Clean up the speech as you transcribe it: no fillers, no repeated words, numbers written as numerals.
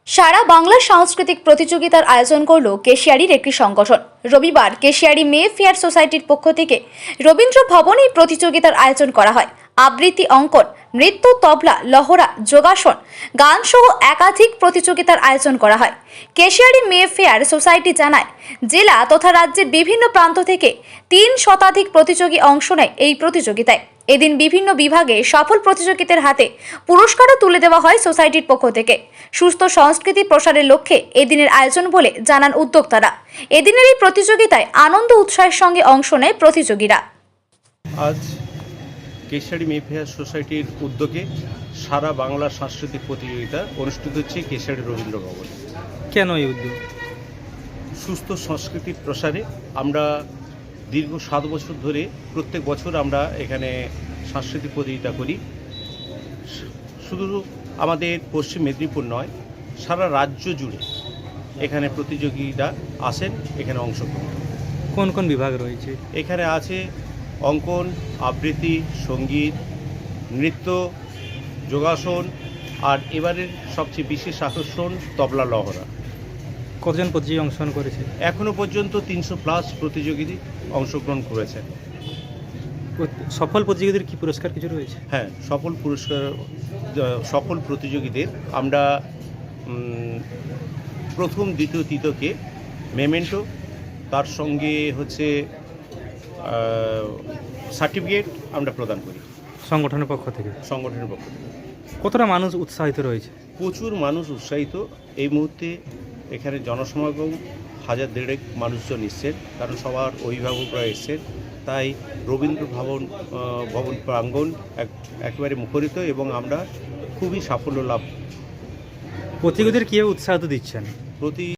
সারা বাংলা সাংস্কৃতিক প্রতিযোগিতার আয়োজন করল কেশিয়ারির একটি সংগঠন। রবিবার কেশিয়ারি মে ফেয়ার সোসাইটির পক্ষ থেকে রবীন্দ্র ভবনে এই প্রতিযোগিতার আয়োজন করা হয়। আবৃত্তি, অঙ্কন, নৃত্য, তবলা, লহরা, যোগাসন, গান সহ একাধিক প্রতিযোগিতার আয়োজন করা হয়। কেশিয়ারি মে ফেয়ার সোসাইটি জানায়, জেলা তথা রাজ্যের বিভিন্ন প্রান্ত থেকে 3 শতাধিক প্রতিযোগী অংশ নেয় এই প্রতিযোগিতায়। এদিন বিভিন্ন বিভাগে সফল প্রতিযোগীদের হাতে পুরস্কারও তুলে দেওয়া হয় সোসাইটির পক্ষ থেকে। সুস্থ সংস্কৃতি প্রসারের লক্ষ্যে এদিনের আয়োজন বলে জানান উদ্যোক্তারা। এদিনের এই প্রতিযোগিতায় আনন্দ উৎসাহের সঙ্গে অংশ নেয় প্রতিযোগীরা। আজ কেশিয়ারি মে ফেয়ার সোসাইটির উদ্যোগে সারা বাংলা সাংস্কৃতিক প্রতিযোগিতা অনুষ্ঠিত হচ্ছে কেশিয়ারি রবীন্দ্র ভবনে। কেন এই উদ্যোগ? সুস্থ সংস্কৃতির প্রসারে আমরা দীর্ঘ 7 বছর ধরে প্রত্যেক বছর আমরা এখানে সাংস্কৃতিক প্রতিযোগিতা করি। শুধু আমাদের পশ্চিম মেদিনীপুর নয়, সারা রাজ্য জুড়ে এখানে প্রতিযোগীরা আসেন এখানে অংশগ্রহণ। কোন কোন বিভাগ রয়েছে? এখানে আছে অঙ্কন, আবৃত্তি, সঙ্গীত, নৃত্য, যোগাসন, আর এবারের সবচেয়ে বিশেষ আকর্ষণ তবলা, লহরা। কতজন প্রতিযোগী অংশগ্রহণ করেছে? এখনও পর্যন্ত 300+ প্রতিযোগী অংশগ্রহণ করেছেন। সফল প্রতিযোগীদের কি পুরস্কার কিছু রয়েছে? হ্যাঁ, সফল প্রতিযোগীদের আমরা প্রথম, দ্বিতীয়, তৃতীয়কে মেমেন্টো, তার সঙ্গে হচ্ছে সার্টিফিকেট আমরা প্রদান করি সংগঠনের পক্ষ থেকে। কতটা মানুষ উৎসাহিত রয়েছে? প্রচুর মানুষ উৎসাহিত। এই মুহূর্তে এখানে জনসমাগম 1000-1,500 মানুষজন এসছেন, কারণ সবার অভিভাবকরা এসছেন। তাই রবীন্দ্র ভবন প্রাঙ্গণ একেবারে মুখরিত এবং আমরা খুবই সাফল্য লাভ। প্রতিযোগীদের কীভাবে উৎসাহ দিচ্ছেন?